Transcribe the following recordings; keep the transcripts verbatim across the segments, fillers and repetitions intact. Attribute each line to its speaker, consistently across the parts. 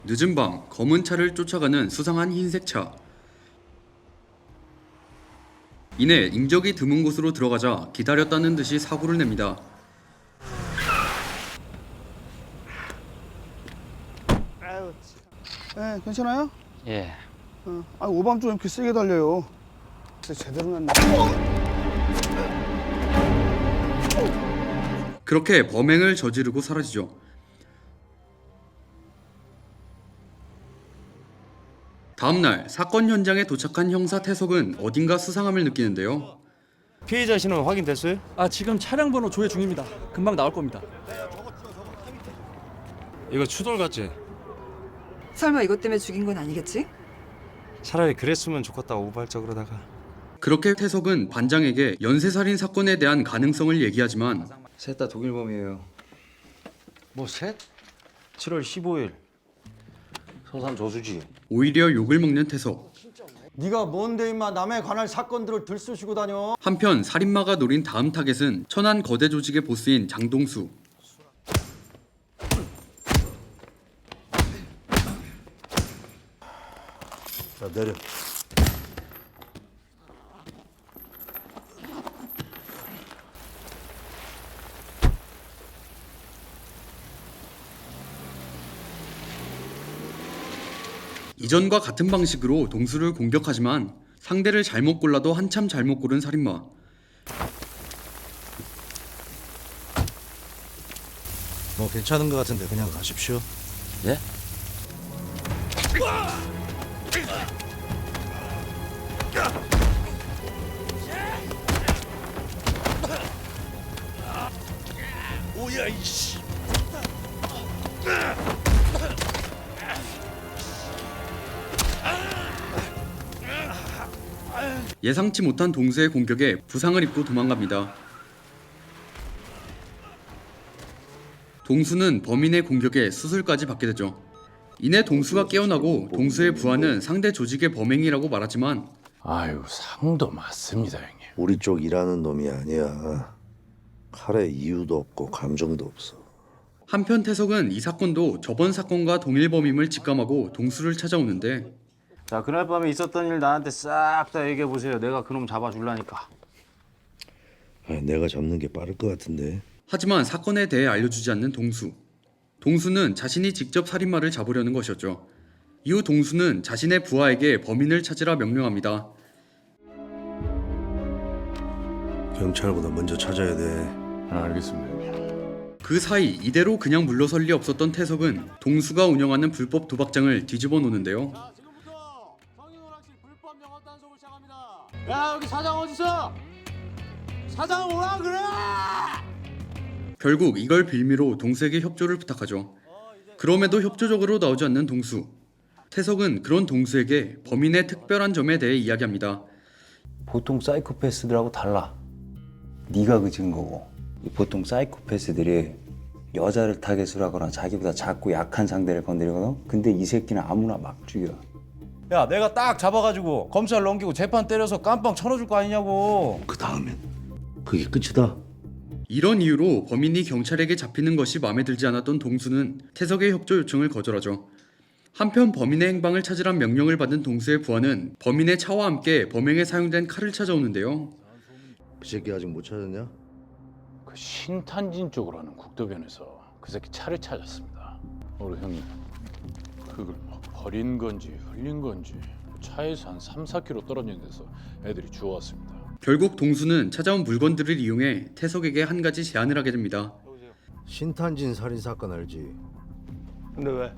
Speaker 1: 늦은 밤 검은 차를 쫓아가는 수상한 흰색 차. 이내 인적이 드문 곳으로 들어가자 기다렸다는 듯이 사고를 냅니다.
Speaker 2: 아유, 네, 괜찮아요?
Speaker 3: 예.
Speaker 2: 어. 아, 오밤중 이렇게 세게 달려요. 진짜 제대로 났네.
Speaker 1: 그렇게 범행을 저지르고 사라지죠. 다음날 사건 현장에 도착한 형사 태석은 어딘가 수상함을 느끼는데요.
Speaker 4: 피해자 신원 확인됐어요?
Speaker 5: 아 지금 차량 번호 조회 중입니다. 금방 나올 겁니다.
Speaker 4: 이거 추돌 같지?
Speaker 6: 설마 이것 때문에 죽인 건 아니겠지?
Speaker 4: 차라리 그랬으면 좋겠다 우발적으로다가.
Speaker 1: 그렇게 태석은 반장에게 연쇄살인 사건에 대한 가능성을 얘기하지만
Speaker 7: 셋 다 독일범이에요.
Speaker 4: 뭐 셋? 칠월 십오일 성산 저수지.
Speaker 1: 오히려 욕을 먹는 태석.
Speaker 8: 네가 뭔데 임마 남에 관할 사건들을 들쑤시고 다녀.
Speaker 1: 한편 살인마가 노린 다음 타겟은 천안 거대 조직의 보스인 장동수.
Speaker 9: 자, 내려.
Speaker 1: 이전과 같은 방식으로 동수를 공격하지만 상대를 잘못 골라도 한참 잘못 고른 살인마.
Speaker 9: 뭐 괜찮은 것 같은데 그냥 가십시오.
Speaker 4: 예?
Speaker 9: 뭐야 이씨.
Speaker 1: 예상치 못한 동수의 공격에 부상을 입고 도망갑니다. 동수는 범인의 공격에 수술까지 받게 되죠. 이내 동수가 깨어나고 동수의 부하는 상대 조직의 범행이라고 말하지만
Speaker 10: 아유, 상도 맞습니다, 형님.
Speaker 9: 우리 쪽 일하는 놈이 아니야. 칼에 이유도 없고 감정도 없어.
Speaker 1: 한편 태석은 이 사건도 저번 사건과 동일 범임을 직감하고 동수를 찾아오는데
Speaker 3: 자, 그날 밤에 있었던 일 나한테 싹 다 얘기해 보세요. 내가 그놈 잡아줄라니까.
Speaker 9: 아, 내가 잡는 게 빠를 것 같은데.
Speaker 1: 하지만 사건에 대해 알려주지 않는 동수. 동수는 자신이 직접 살인마를 잡으려는 것이었죠. 이후 동수는 자신의 부하에게 범인을 찾으라 명령합니다.
Speaker 9: 경찰보다 먼저 찾아야 돼.
Speaker 10: 아, 알겠습니다, 형님.
Speaker 1: 그 사이 이대로 그냥 물러설 리 없었던 태석은 동수가 운영하는 불법 도박장을 뒤집어 놓는데요.
Speaker 8: 지금부터 성인오락실 불법 영업 단속을 시작합니다. 야 여기 사장 어딨어? 사장 오라 그래!
Speaker 1: 결국 이걸 빌미로 동수에게 협조를 부탁하죠. 그럼에도 협조적으로 나오지 않는 동수. 태석은 그런 동수에게 범인의 특별한 점에 대해 이야기합니다.
Speaker 7: 보통 사이코패스들하고 달라. 네가 그 증거고. 보통 사이코패스들이 여자를 타겟으로 하거나 자기보다 작고 약한 상대를 건드리거든. 근데 이 새끼는 아무나 막 죽여.
Speaker 8: 야 내가 딱 잡아가지고 검찰 넘기고 재판 때려서 깜빵 쳐넣어줄 거 아니냐고.
Speaker 9: 그 다음엔 그게 끝이다.
Speaker 1: 이런 이유로 범인이 경찰에게 잡히는 것이 마음에 들지 않았던 동수는 태석의 협조 요청을 거절하죠. 한편 범인의 행방을 찾으란 명령을 받은 동수의 부하는 범인의 차와 함께 범행에 사용된 칼을 찾아오는데요.
Speaker 9: 그 새끼 아직 못 찾았냐?
Speaker 10: 그 신탄진 쪽으로 하는 국도변에서 그 새끼 차를 찾았습니다. 우리 형님, 그걸 뭐 버린 건지 흘린 건지 차에서 한 삼, 사 킬로미터 떨어진 데서 애들이 주워왔습니다.
Speaker 1: 결국 동수는 찾아온 물건들을 이용해 태석에게 한 가지 제안을 하게 됩니다.
Speaker 9: 신탄진 살인 사건 알지?
Speaker 8: 근데 왜?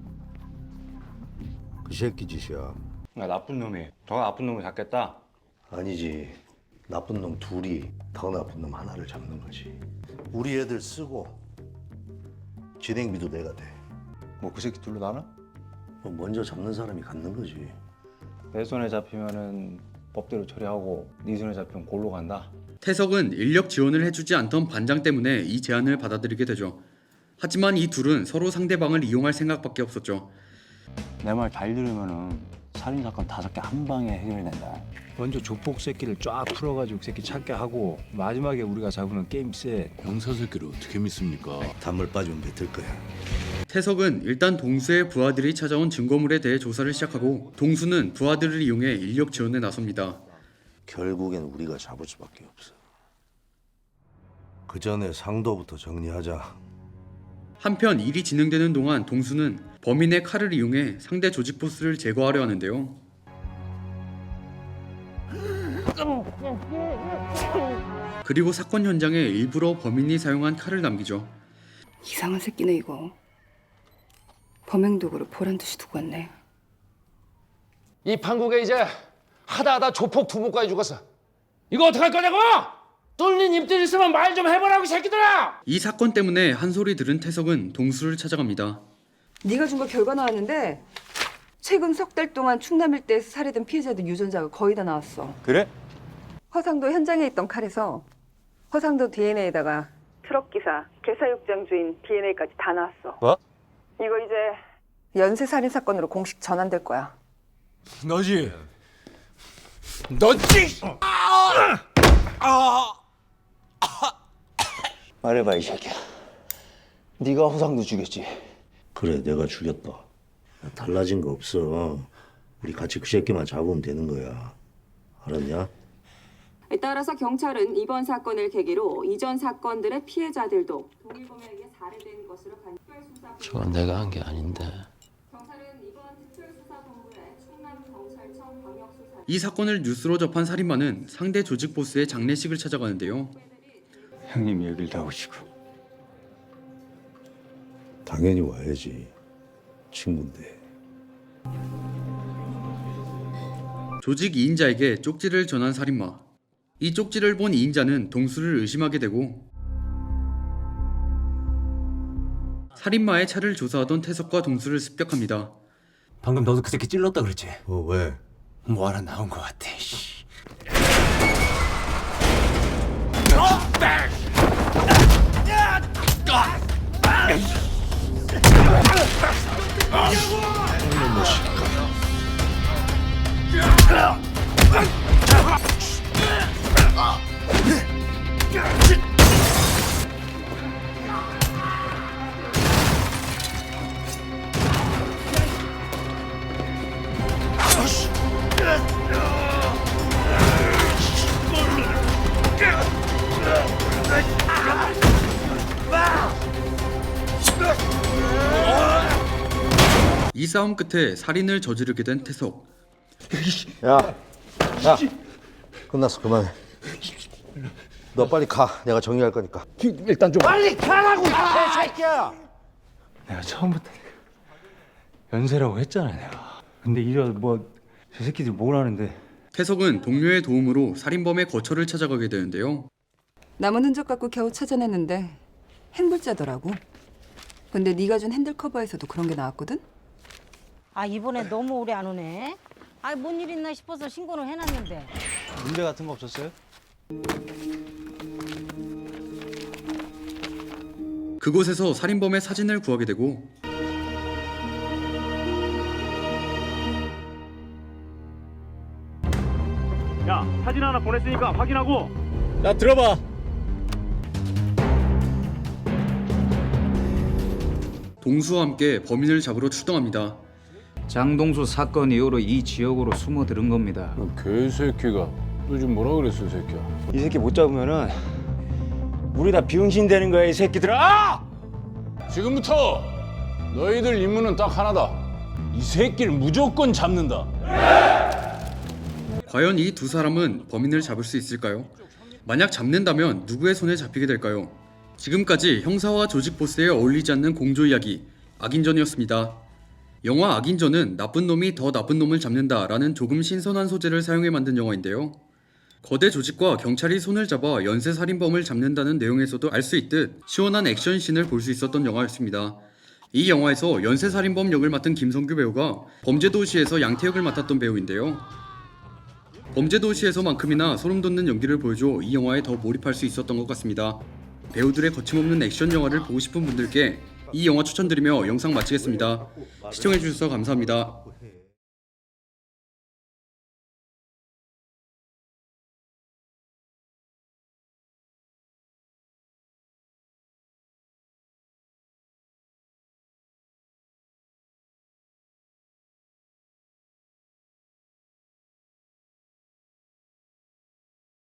Speaker 9: 그 새끼 짓이야.
Speaker 3: 야, 나쁜 놈이. 더 나쁜 놈을 잡겠다.
Speaker 9: 아니지. 나쁜 놈 둘이 더 나쁜 놈 하나를 잡는 거지. 우리 애들 쓰고 진행비도 내가 돼.
Speaker 7: 뭐 그 새끼 둘로 나눠?
Speaker 9: 뭐 먼저 잡는 사람이 갖는 거지.
Speaker 7: 내 손에 잡히면은 법대로 처리하고 네 손에 잡히면 골로 간다.
Speaker 1: 태석은 인력 지원을 해주지 않던 반장 때문에 이 제안을 받아들이게 되죠. 하지만 이 둘은 서로 상대방을 이용할 생각밖에 없었죠.
Speaker 7: 내 말 잘 들으면은 살인 사건 다섯 개 한 방에 해결된다.
Speaker 11: 먼저 조폭 새끼를 쫙 풀어가지고 그 새끼 찾게 하고 마지막에 우리가 잡으면 게임 셋.
Speaker 10: 형사 새끼를 어떻게 믿습니까?
Speaker 9: 단물 빠지면 뱉을 거야.
Speaker 1: 태석은 일단 동수의 부하들이 찾아온 증거물에 대해 조사를 시작하고 동수는 부하들을 이용해 인력 지원에 나섭니다.
Speaker 9: 결국엔 우리가 잡을 수밖에 없어. 그 전에 상도부터 정리하자.
Speaker 1: 한편 일이 진행되는 동안 동수는 범인의 칼을 이용해 상대 조직 보스를 제거하려 하는데요. 그리고 사건 현장에 일부러 범인이 사용한 칼을 남기죠.
Speaker 6: 이상한 새끼네 이거. 범행 도구를 보란듯이 두고 왔네.
Speaker 8: 이 판국에 이제 하다 하다 조폭 두목까지 죽었어. 이거 어떡할 거냐고! 뚫린 입들 있으면 말 좀 해보라고, 이 새끼들아!
Speaker 1: 이 사건 때문에 한 소리 들은 태석은 동수를 찾아갑니다.
Speaker 6: 네가 준 거 결과 나왔는데 최근 석 달 동안 충남 일대에서 살해된 피해자들 유전자가 거의 다 나왔어.
Speaker 4: 그래?
Speaker 6: 허상도 현장에 있던 칼에서 허상도 디엔에이에다가 트럭 기사, 개사육장 주인 디엔에이까지 다 나왔어.
Speaker 4: 뭐?
Speaker 6: 이거 이제 연쇄 살인 사건으로 공식 전환될 거야.
Speaker 10: 너지? 너지?
Speaker 7: 말해봐 이 새끼야. 네가 호상도 죽였지?
Speaker 9: 그래, 내가 죽였다. 달라진 거 없어. 우리 같이 그 새끼만 잡으면 되는 거야. 알았냐?
Speaker 12: 따라서 경찰은 이번 사건을 계기로 이전 사건들의 피해자들도 동일범에게 살해된 것으로 간 특별수사.
Speaker 4: 저건 내가 한 게 아닌데.
Speaker 12: 경찰은 이번 특별수사본부의 충남경찰청 광역수사.
Speaker 1: 이 사건을 뉴스로 접한 살인마는 상대 조직 보스의 장례식을 찾아가는데요.
Speaker 7: 형님이 여길 다 오시고.
Speaker 9: 당연히 와야지. 친구인데.
Speaker 1: 조직 이 인자에게 쪽지를 전한 살인마. 이 쪽지를 본 이 인자는 동수를 의심하게 되고 살인마의 차를 조사하던 태석과 동수를 습격합니다.
Speaker 11: 방금 너도 그 새끼 찔렀다 그랬지?
Speaker 9: 어, 왜?
Speaker 11: 뭐 하나 나온 것 같아. 씨.
Speaker 1: 이 싸움 끝에 살인을 저지르게 된 태석.
Speaker 9: 야, 야, 끝났어. 그만해. 너 빨리 가. 내가 정리할 거니까.
Speaker 11: 일단 좀
Speaker 8: 빨리 가라고, 이 새끼야!
Speaker 11: 내가 처음부터 연세라고 했잖아 내가. 근데 이래 뭐저 새끼들 뭘 하는데?
Speaker 1: 태석은 동료의 도움으로 살인범의 거처를 찾아가게 되는데요.
Speaker 6: 남은 흔적 갖고 겨우 찾아냈는데 행불자더라고. 근데 네가 준 핸들 커버에서도 그런 게 나왔거든?
Speaker 13: 아 이번에 너무 오래 안 오네. 아 뭔 일 있나 싶어서 신고는 해놨는데.
Speaker 11: 문제 같은 거 없었어요?
Speaker 1: 그곳에서 살인범의 사진을 구하게 되고
Speaker 8: 야, 사진 하나 보냈으니까 확인하고.
Speaker 10: 야 들어봐.
Speaker 1: 동수와 함께 범인을 잡으러 출동합니다.
Speaker 5: 장동수 사건 이후로 이 지역으로 숨어들은 겁니다.
Speaker 10: 개새끼가. 너 지금 뭐라 그랬어, 이 새끼야?
Speaker 7: 이 새끼 못 잡으면은 우리 다 비응신 되는 거야 이 새끼들아!
Speaker 10: 지금부터 너희들 임무는 딱 하나다. 이 새끼를 무조건 잡는다.
Speaker 1: 과연 이 두 사람은 범인을 잡을 수 있을까요? 만약 잡는다면 누구의 손에 잡히게 될까요? 지금까지 형사와 조직 보스에 어울리지 않는 공조 이야기 악인전이었습니다. 영화 악인전은 나쁜 놈이 더 나쁜 놈을 잡는다 라는 조금 신선한 소재를 사용해 만든 영화인데요. 거대 조직과 경찰이 손을 잡아 연쇄살인범을 잡는다는 내용에서도 알 수 있듯 시원한 액션씬을 볼 수 있었던 영화였습니다. 이 영화에서 연쇄살인범 역을 맡은 김성규 배우가 범죄도시에서 양태역을 맡았던 배우인데요. 범죄도시에서만큼이나 소름돋는 연기를 보여줘 이 영화에 더 몰입할 수 있었던 것 같습니다. 배우들의 거침없는 액션 영화를 보고 싶은 분들께 이 영화 추천드리며 영상 마치겠습니다. 시청해주셔서 감사합니다.